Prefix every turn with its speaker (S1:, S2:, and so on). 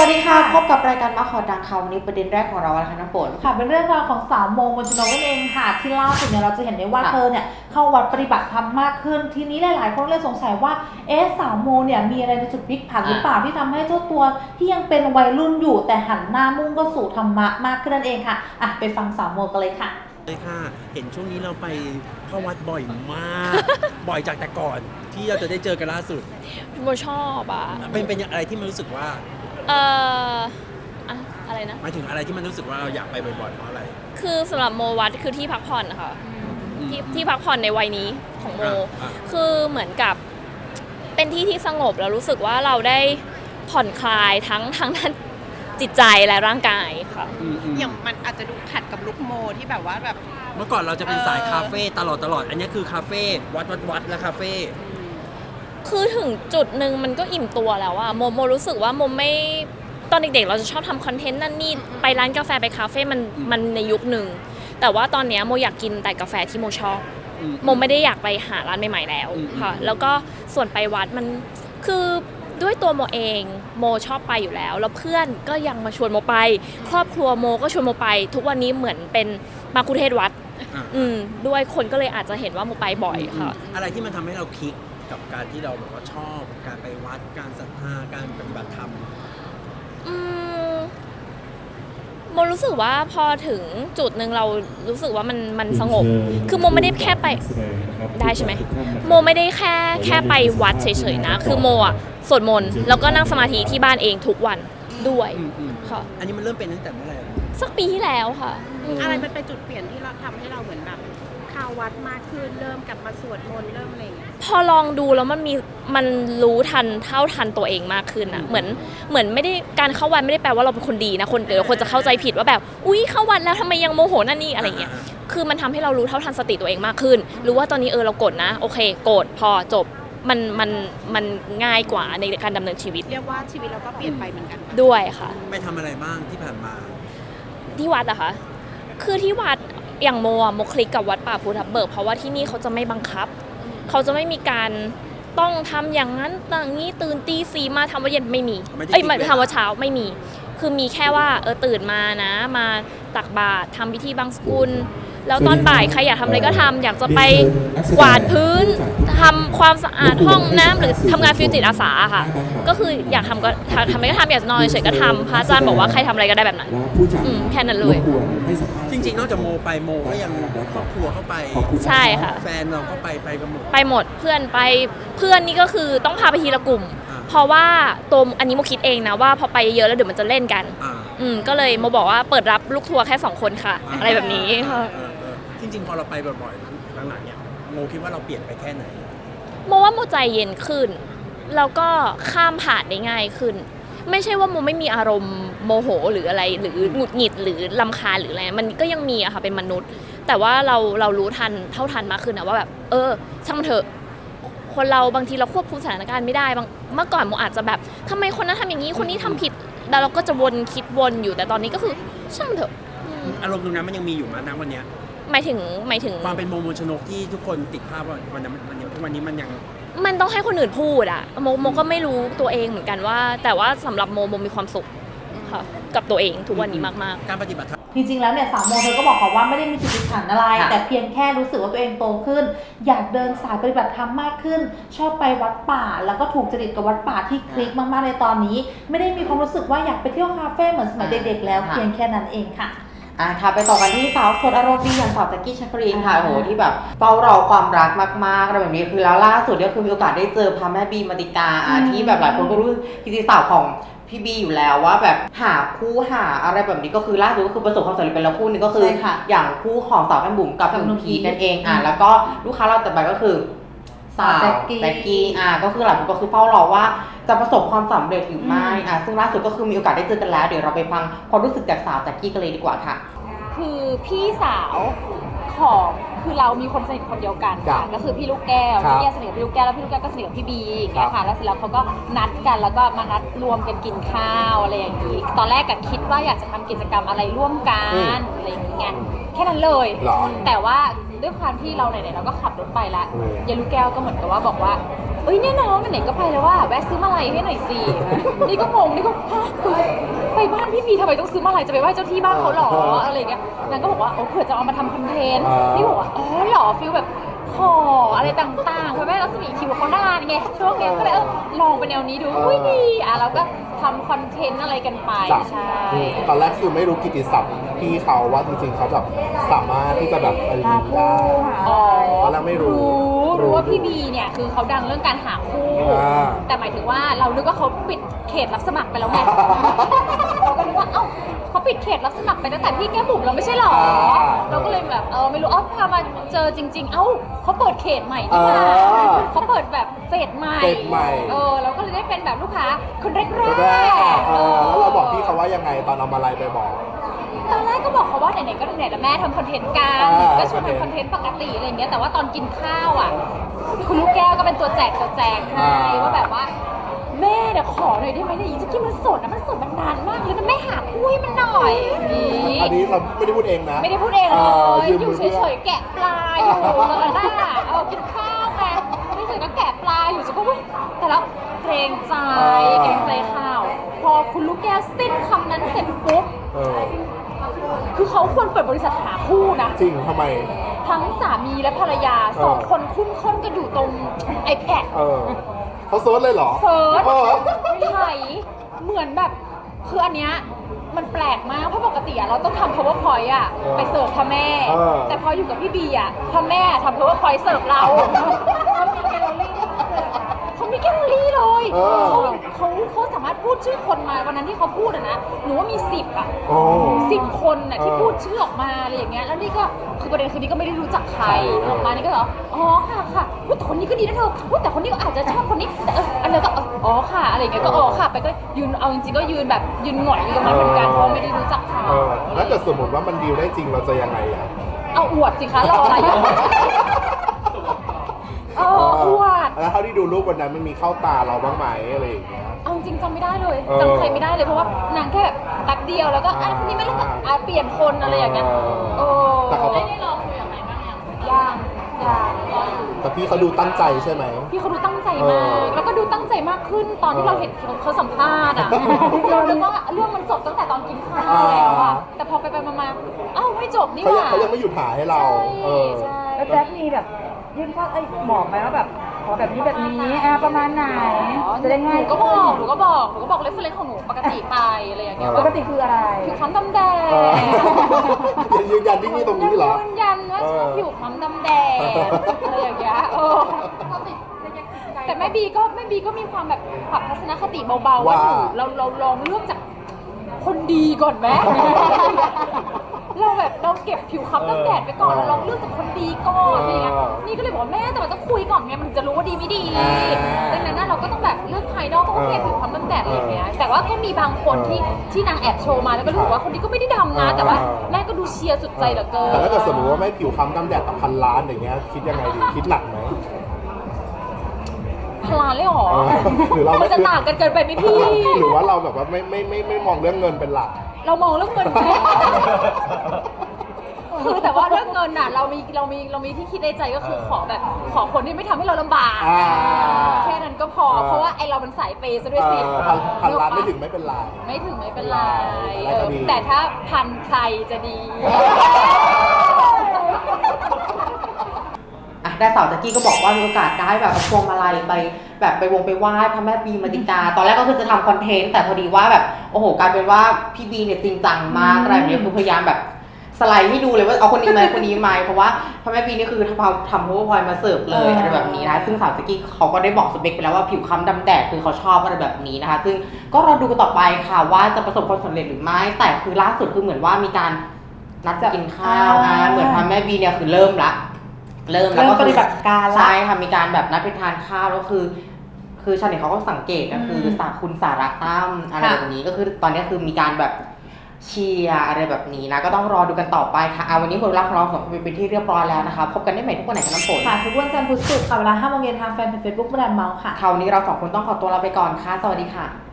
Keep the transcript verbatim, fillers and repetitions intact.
S1: วัสดีค่ะพบกับรายการมาขอดังค่ะวันนี้ประเด็นแรกของเราอะไรคะน้ำฝน
S2: ค่ะเป็นเรื่องราวของสาวโมมนชนกนั่นเองค่ะที่ล่าสุดเนี่ยเราจะเห็นได้ว่าเธอเนี่ยเข้าวัดปฏิบัติธรรมมากขึ้นทีนี้หลายๆคนเลยสงสัยว่าเอ๊ะสาวโมเนี่ยมีอะไรในจุดพลิกผันหรือเปล่าที่ทำให้เจ้าตัวที่ยังเป็นวัยรุ่นอยู่แต่หันหน้ามุ่งก็สู่ธรรมะมากขึ้นนั่นเองค่ะอ่ะไปฟังสาวโมกันเลยค่ะ
S3: เลยค่ะเห็นช่วงนี้เราไปเข้าวัดบ่อยมาก บ่อยจากแต่ก่อนที่เราจะได้เจอกันล่าสุด
S4: โมชอบอ่ะ
S3: เป็นเป็นอะไรที่มันรู้สึกว่า
S4: เอ่ออะอะไรนะ
S3: หมายถึงอะไรที่มันรู้สึกว่าเราอยากไปบ่อยๆเพราะอะไร
S4: คือสำหรับโมวัดคือที่พักผ่อนค่ะที่ที่พักผ่อนในวัยนี้ของโมคือเหมือนกับเป็นที่ที่สงบแล้วรู้สึกว่าเราได้ผ่อนคลายทั้งทั้งด้านจิตใจและร่างกายค่ะ
S5: อย่างมันอาจจะดูขัดกับลุคโมที่แบบว่าแบบ
S3: เมื่อก่อนเราจะเป็นสายคาเฟ่ตลอดตลอดอันนี้คือคาเฟ่วัดวัดวัดและคาเฟ่
S4: คือถึงจุดหนึ่งมันก็อิ่มตัวแล้วอะโมโมรู้สึกว่าโมไม่ตอนเด็กๆเราจะชอบทำคอนเทนต์นั่นนี่ไปร้านกาแฟไปคาเฟ่มันมันในยุคหนึ่งแต่ว่าตอนนี้โมอยากกินแต่กาแฟที่โมชอบโมไม่ได้อยากไปหาร้านใหม่ๆแล้วค่ะแล้วก็ส่วนไปวัดมันคือด้วยตัวโมเองโมชอบไปอยู่แล้วแล้วเพื่อนก็ยังมาชวนโมไปครอบครัวโมก็ชวนโมไปทุกวันนี้เหมือนเป็นมาคุเทศวัดอืมด้วยคนก็เลยอาจจะเห็นว่าโมไปบ่อยค่ะ
S3: อะไรที่มันทำให้เราคลิกกับการที่เราแบบว่าชอบการไปวัดการศรัทธาการปฏิบัติธรรม
S4: อืมโมรู้สึกว่าพอถึงจุดหนึ่งเรารู้สึกว่ามันมันสงบคือโมไม่ได้แค่ไปได้ใช่ไหมโมไม่ได้แค่แค่ไปวัดเฉยๆนะคือโมอ่ะสวดมนต์แล้วก็นั่งสมาธิที่บ้านเองทุกวันด้วยค่ะ
S3: อันนี้มันเริ่มเป็นตั้งแต่เมื่อไหร่
S4: สักปีที่แล้วค่ะ
S5: อะไรมันเป็นจุดเปลี่ยนที่เราทำให้เราเหมือนแบบเข้าวัดมากขึ้นเริ่มกลับมาสวดมนต์เริ่มอะไรอย่างเงี้ย
S4: พอลองดูแล้วมันมีมันรู้ทันเท่าทันตัวเองมากขึ้นอ่ะเหมือนเหมือนไม่ได้การเข้าวัดไม่ได้แปลว่าเราเป็นคนดีนะคนเดี๋ยวคนจะเข้าใจผิดว่าแบบอุ้ยเข้าวัดแล้วทำไมยังโมโหนั่นนี่อะไรเงี้ยคือมันทำให้เรารู้เท่าทันสติตัวเองมากขึ้นรู้ว่าตอนนี้เออเราโกรธนะโอเคโกรธพอจบมันมันมันง่ายกว่าในการดำเนินชีวิต
S5: เรียกว่าชีวิตเราก็เปลี่ยนไปเหมือนกัน
S4: ด้วยค่ะ
S3: ไปทำอะไรบ้างที่ผ่านมา
S4: ที่วัดอะคะคือที่วัดอย่างโมอะโมคลิกกับวัดป่าภูทับเบิกเพราะว่าที่นี่เขาจะไม่บังคับเขาจะไม่มีการต้องทำอย่างนั้นอย่างนี้ตื่นตีสี่มาทำว่าเย็นไม่มีเอ้ยทำว่าเช้าไม่มีคือมีแค่ว่าเออตื่นมานะมาตักบาตรทำพิธีบังสกุลแล้วตอนบ่ายใครอยากทำอะไรก็ทำอยากจะไปกวาดพื้นทำความสะอาดห้องน้ำหรือทำงานฟิวจิตอาสาค่ะก็คืออยากทำก็ทำอะไรก็ทำอยากนอนเฉยก็ทำพระอาจารย์บอกว่าใครทำอะไรก็ได้แบบนั้นแค่นั้นเลย
S3: จริงๆนอกจากโมไปโมก็ยังครอบครัวเข้าไป
S4: ใช่ค่ะ
S3: แฟนเราก็ไปไปกันหมด
S4: ไปหมดเพื่อนไปเพื่อนนี่ก็คือต้องพาไปทีละกลุ่มเพราะว่าตัวอันนี้โมคิดเองนะว่าพอไปเยอะแล้วเดี๋ยวมันจะเล่นกันอืมก็เลยโมบอกว่าเปิดรับลูกทัวร์แค่สองคนค่ะอะไรแบบนี้ค่ะ
S3: จริงๆพอเราไปบ่อยๆหลังๆเนี่ยโมคิดว่าเราเปลี่ยนไปแค่ไหน
S4: โมว่าโมใจเย็นขึ้นแล้วก็ข้ามผ่านได้ง่ายขึ้นไม่ใช่ว่าโมไม่มีอารมณ์โมโหหรืออะไรหรือหงุดหงิดหรือรำคาญหรืออะไรมันก็ยังมีอะค่ะเป็นมนุษย์แต่ว่าเราเรารู้ทันเท่าทันมากขึ้นนะว่าแบบเออช่างมันเถอะคนเราบางทีเราควบคุมสถานการณ์ไม่ได้บางเมื่อก่อนโมอาจจะแบบทำไมคนนั้นทำอย่างนี้คนนี้ทำผิดแล้วเราก็จะวนคิดวนอยู่แต่ตอนนี้ก็คือช่างมันเถอะ
S3: อารมณ์ตรงนั้นมันยังมีอยู่มั้ยณวันนี้
S4: หมายถึงหมายถึง
S3: ความเป็นโมมนชนกที่ทุกคนติดภาพว่าวันนั้นมันยังวันนี้มันยัง
S4: มันต้องให้คนอื่นพูดอะโมโมก็ไม่รู้ตัวเองเหมือนกันว่าแต่ว่าสำหรับโมโมมีความสุขค่ะกับตัวเองทุกวันนี้มาก
S3: ๆการปฏิบัติ
S2: จริงๆแล้วเนี่ยสาวโมเธอก็บอกเขาว่าไม่ได้มีจุดพลิกผันอะไรแต่เพียงแค่รู้สึกว่าตัวเองโตขึ้นอยากเดินสายปฏิบัติธรรมมากขึ้นชอบไปวัดป่าแล้วก็ถูกจริตกับวัดป่าที่คลิกมากๆในตอนนี้ไม่ได้มีความรู้สึกว่าอยากไปเที่ยวคาเฟ่เหมือนสมัยเด็กๆแล้วเพียงแค่นั้นเองค่ะ
S1: อ่ะค่ะไปต่อกันที่สาวสดอารมณ์ดีอย่างสาวแจ็คกี้ชัครีนค่ะโหที่แบบเฝ้ารอความรักมากๆอะไรแบบนี้คือแล้วล่าสุดก็คือมีโอกาสได้เจอพระแม่บีมาติกาที่แบบหลายคนก็รู้พิธีสาวของพี่บีอยู่แล้วว่าแบบหาคู่หาอะไรแบบนี้ก็คือล่าสุดก็คือประสบความสำเร็จไปแล้วคู่นึงก็คืออย่างคู่ของสาวแก้มบุ๋มกับหนุ่มพีนั่นเองอ่ะแล้วก็ลูกค้าเราต่อไปก็คือสาวแจ็คกี้อ่ะก็คือหลายคนก็คือเฝ้ารอว่าจะประสบความสำเร็จหรือไม่อ่ะซึ่งล่าสุดก็คือมีโอกาสได้เจอกันแล้วเดี๋ยวเราไปฟังความรู้สึกจากสาวแจ็คกี้กันเลยดีกว่าค่ะ
S6: คือพี่สาวของคือเรามีคนสนิทคนเดียวกันค่ะก็คือพี่ลูกแก้วพี่แก้วสนิทกับพี่ลูกแก้วแล้วพี่ลูกแก้วก็สนิทกับพี่บีอย่างเงี้ยค่ะแล้วเสร็จแล้วเขาก็นัดกันแล้วก็มานัดรวมกันกินข้าวอะไรอย่างงี้ตอนแรกก็คิดว่าอยากจะทำกิจกรรมอะไรร่วมกันอะไรอย่างเงี้ยแค่นั้นเลย
S7: หรอ
S6: แต่ว่าด้วยความที่เราไหนๆเราก็ขับรถไปละ
S7: อืม
S6: ยายลูกแก้วก็เหมือนกับว่าบอกว่าเอ้ยเนี่ยน้องไหนๆก็ไปแล้วว่าแวะซื้อมาลัยให้หน่อยสินี่ก็งงนี่ก็ฮะไปบ้านพี่บีทำไมต้องซื้อมาลัยจะไปไหว้เจ้าที่บ้านเขาหรออะไรอย่างเงี้ยนางก็บอกว่าโอ้เผื่อจะเอามาทำคอนเทนต์นี่บอกว่าอ๋อเหรอฟิลแบบขออะไรต่างๆเพราะแม่รัศมีคิวเขานานไงช่วงนี้ก็เลยเออลองไปแนวนี้ดูอุ้ยดีอ่ะเราก็ทำคอนเทนต์อะไรกันไป
S7: จ้ะ
S6: ใช่
S7: ตอนแรกคือไม่รู้กิตติศัพท์พี่เขาว่าจริงๆเขาแบบสามารถที่จะแบบอะไรอย่างนี้ได้
S6: อ๋อ
S7: ตอนแรกไม่รู้
S6: รู้รู้ว่าพี่บีเนี่ยคือเขาดังเรื่องการหาคู่
S7: อ่า
S6: แต่หมายถึงว่าเรานึกว่าเขาปิดเขตรับสมัครไปแล้วไง เราก็นึกว่าเอ้าเขาปิดเขตรับสมัครไปตั้งแต่พี่แก้มบุ๋มเราไม่ใช่หรอ
S7: อ่า
S6: เราก็เลยแบบเออไม่รู้เอ้าพามาเจอจริง ๆ เอ้าเขาเปิดเขตใหม่ที่มา
S7: อ่า
S6: เขาเปิดแบบเฟสใหม่
S7: เฟสใหม่
S6: เออเราก็เลยได้เป็นแบบลูกค้าคนแรก
S7: แรก
S6: ๆ
S7: เออแล้วเราบอกพี่เขาว่ายังไงตอนเอามาลัยไปบอก
S6: ตอนแรกก็บอกเขาว่าไหนๆก็ไหนๆแล้วแม่ทำคอนเทนต์กัน
S7: อ่า
S6: ก็ชวนทำคอนเทนต์ปกติอะไรอย่างเงี้ยแต่ว่าตอนกินข้าวอ่ะคุณลูกแก้วก็เป็นตัวแจกตัวแจกให้ว่าแบบว่า แม่เดี๋ยวขอหน่อยได้ไหมเนี่ยอีจะกินมันสดนะมันสดมันนานมากเลยนะแม่หาคู่ให้มันหน่อยนี่
S7: อันนี้เราไม่ได้พูดเองนะ
S6: ไม่ได้พูดเองเลย
S7: ยืม
S6: อยู่
S7: มื
S6: เฉยๆแกะปลาอยู่แล้วน่ะเอากินข้าวไงไม่เฉยๆก็แกะปลาอยู่ฉันก็ว่าแต่แล้วเกรงใจเกรงใจข้าว พอคุณลูกแก้วสิ้นคำนั้นเสร็จปุ๊บ
S7: เออ
S6: คือเขาควรเปิดบริษัทหาคู่นะ
S7: จริงทำไม
S6: ทั้งสามีและภรรยาสอง
S7: เออ
S6: คนคุ้นค้นกันอยู่ตรง iPad
S7: เออเขาเซิร์ชเลยเหรอ
S6: เซิร์ช
S7: ออ
S6: ไถเหมือนแบบคืออันเนี้ยมันแปลกมากเพราะปกติอะเราต้องทำ powerpoint อะ
S7: เออ
S6: ไปเสิร์ฟพ่อแม่
S7: เออ
S6: แต่พออยู่กับพี่บีอะพ่อแม่ทำ powerpoint เสิร์ฟเราเขามีแคลอรี่เลย
S7: เออ
S6: เขาเขาเขาสามารถพูดชื่อคนมาวันนั้นที่เขาพูดอะนะหนูว่ามีสิบอะ
S7: โอ้
S6: สิบคนน่ะที่
S7: เออ
S6: พูดชื่อออกมาอะไรอย่างเงี้ยแล้วนี่ก็คือประเด็นคือนี่ก็ไม่ได้รู้จักใคร
S7: ใช่
S6: ออกมานี่ก็เหรออ๋อค่ะค่ะอุ๊ยแต่คนนี้ก็ดีนะเธออุ๊ยแต่คนนี้ก็อาจจะชอบคนนี้แต่เอออันเดียวก็เอออ๋อค่ะอะไรอย่างเงี้ยก็อ๋อค่ะไปก็ยืนเอาจริงๆก็ยืนแบบยืนหงอยอยู่ตรงนั้นเหมือนกันเพราะไม่ได้รู้จักเขา
S7: เออแล้วเกิดสมมติว่ามันดีลได้จริงเราจะยังไงอ่ะ
S6: เอาอวดสิคะรออะไรอยู่เอออวด
S7: แล้วเท่าที่ดูรูปวันนั้นมันมีเข้าตาเราบ้างไหมอะไรอย่างเงี้ย
S6: เอาจริงๆจำไม่ได้เลย
S7: เออ
S6: จำใครไม่ได้เลยเพราะว่านางแค่แบบแป๊บเดียวแล้วก็อ่ะ
S7: อ่า
S6: คนนี้ไม่รู้ก็อ่ะเปลี่ยนคนอะไรอย่างเงี้ย
S7: เออ
S6: โอ้
S7: แต่เขาก็
S6: ได้ลองคุยกับใครบ้างยังยังยังรออยู่
S7: แต่พี่เขาดูตั้งใจใช่ไหม
S6: พี่เขาดูตั้งใจ
S7: เอ
S6: มา
S7: อ
S6: ก แล้วก็ดูตั้งใจมากขึ้นตอนที่
S7: เออ
S6: เราเห็นเขาสัมภาษณ์อ่ะ เราคิดว่าเรื่องมันจบตั้งแต่ตอนกินข้าว
S7: อ่า
S6: แล้วอ่ะ แต่พอไปไปมามาเอ้าไม่จบนี่ห
S7: เขายัง
S6: ว่า
S7: เขายังไม่หยุดถ่ายให้เรา
S6: ใช่
S7: เออ
S6: ใช่
S2: แล้วแจ็คมีแบบยื่นข้อเอ้ยบอกไหมว่าแบบขอแบบนี้แบบนี้อ่ะประมาณไหนจะได้ง่าย
S6: หนูก็บอกหนูก็บอกหนูก็บอกเรฟเฟรนซ์ของหนูปกติไปอะไรอย่างเงี้ย
S7: เออ
S2: ปกติคืออะไร
S6: ผิวคล้ำดำแดง
S7: เออยังยืนยันที่นี่ตรงนี้เหรอ
S6: ยืนยันว่าชอบ
S7: เออ
S6: ผิวคล้ำดำแดงอะไรอย่างเงี้ยเออแต่แม่บีก็แม่บีก็มีความแบบปรับทัศนคติเบาๆว่า
S7: ว่า
S6: หนูเราเราลองเลือกจากคนดีก่อนไหม เราแบบเราเก็บผิวค้ำตั้งแดดไปก่อนเราลองเลือกจากคนดีก่อนอะไรเงี้ยนี่ก็เลยบอกว่าแม่แต่มันต้องคุยก่อนไงมันถึงจะรู้ว่าดีไม่ดีดังนั้นน่ะเราก็ต้องแบบเลือกภายนอกก็โอเคผิวค้ำตั้งแดดอะไรอย่างเงี้ยแต่ว่าก็มีบางคนที่ที่นางแอบโชว์มาแล้วก็รู้สึกว่าคนนี้ก็ไม่ได้ดำนะ แต่ว่าแม่ก็ดูเชียร์สุดใจเหลือเกิน
S7: แต่ถ้าเกิดสมมติว่าไม่ผิวคล้ำดำแดดแต่พันล้านอย่างเงี้ยคิดยังไงดีคิดหนักไหม
S6: พลานเลยเหรอ
S7: เออหรือเราไม่
S6: มันจะต่างกันเกินไปไหมพี่
S7: หรือว่าเราแบบว่าไม่ไม่ไม่ไม่มองเรื่องเงินเป็นหลัก
S6: เรามองเรื่องเงินไหม คือแต่ว่าเรื่องเงินน่ะเรามีเรามีเรามีที่คิดในใจก็คือขอแบบขอคนที่ไม่ทำให้เราลำบาก
S7: อ่า
S6: แค่นั้นก็พอ
S7: อ่า
S6: เพราะว่าไอเราเป็นสายเปย์ซะด้วย
S7: เอ
S6: สิ
S7: อพันพันล้านไม่ถึงไม่เป็นไร
S6: ไม่ถึงไม่เป็นไร
S7: ได้
S6: เอ
S7: ก็
S6: อ
S7: ดี
S6: แต่ถ้าพันใครจะดี
S1: อ่ะได้สาวแจ็กกี้ก็บอกว่ามีโอกาสได้แบบเอาพวงมาลัยไปแบบไปวงไปไหว้พระแม่บีมาติกา ตอนแรกก็คือจะทำคอนเทนต์แต่พอดีว่าแบบโอ้โหกลายเป็นว่าพี่บีเนี่ยจริงจังมากอะไรแบบนี้คือพยายามแบบสไลด์ให้ดูเลยว่าเอาคนนี้ไหมคนนี้ไหมเพราะว่าพระแม่บีนี่คือทำทำพวกพลอยมาเสิร์ฟเลยอะไรแบบนี้นะซึ่งสาวแจ็กกี้เขาก็ได้บอกสเปคไปแล้วว่าผิวคล้ำดำแดดคือเขาชอบอะไรแบบนี้นะคะซึ่งก็รอดูกันต่อไปค่ะว่าจะประสบความสำเร็จหรือไม่แต่คือล่าสุดคือเหมือนว่ามีการนัดจะกินข้าวอ่ะเหมือนพระแม่บีเนี่ยคือเริ่มละ เริ่มแล้ว
S2: เริ่
S1: ก็
S2: มปฏิบัติการละ
S1: ใช่ค่ะมีการแบบนัดไปทานข้าวแล้วคือ คือชาวเน็ตเขาก็สังเกตนะคือสาคุณสาระตั้มอะไรแบบนี้ก็คือตอนนี้คือมีการแบบเชียร์อะไรแบบนี้นะก็ต้องรอดูกันต่อไปค่ะเอาวันนี้หมดเวลาของเราสองคนไปเป็นที่เรียบร้อยแล้วนะคะพบกันได้ใหม่ทุกวันไหนกันน้ำฝน
S2: ค่ะทุกวันจันทร์พุธศุกร์ค่ะเวลาห้าโมงเย็นทางแฟนเพจเฟซบุ๊กแบรนด์เมาส์ค่ะ
S1: คราวนี้เราสองคนต้องขอตัวลาไปก่อนค่ะสวัสดีค่ะ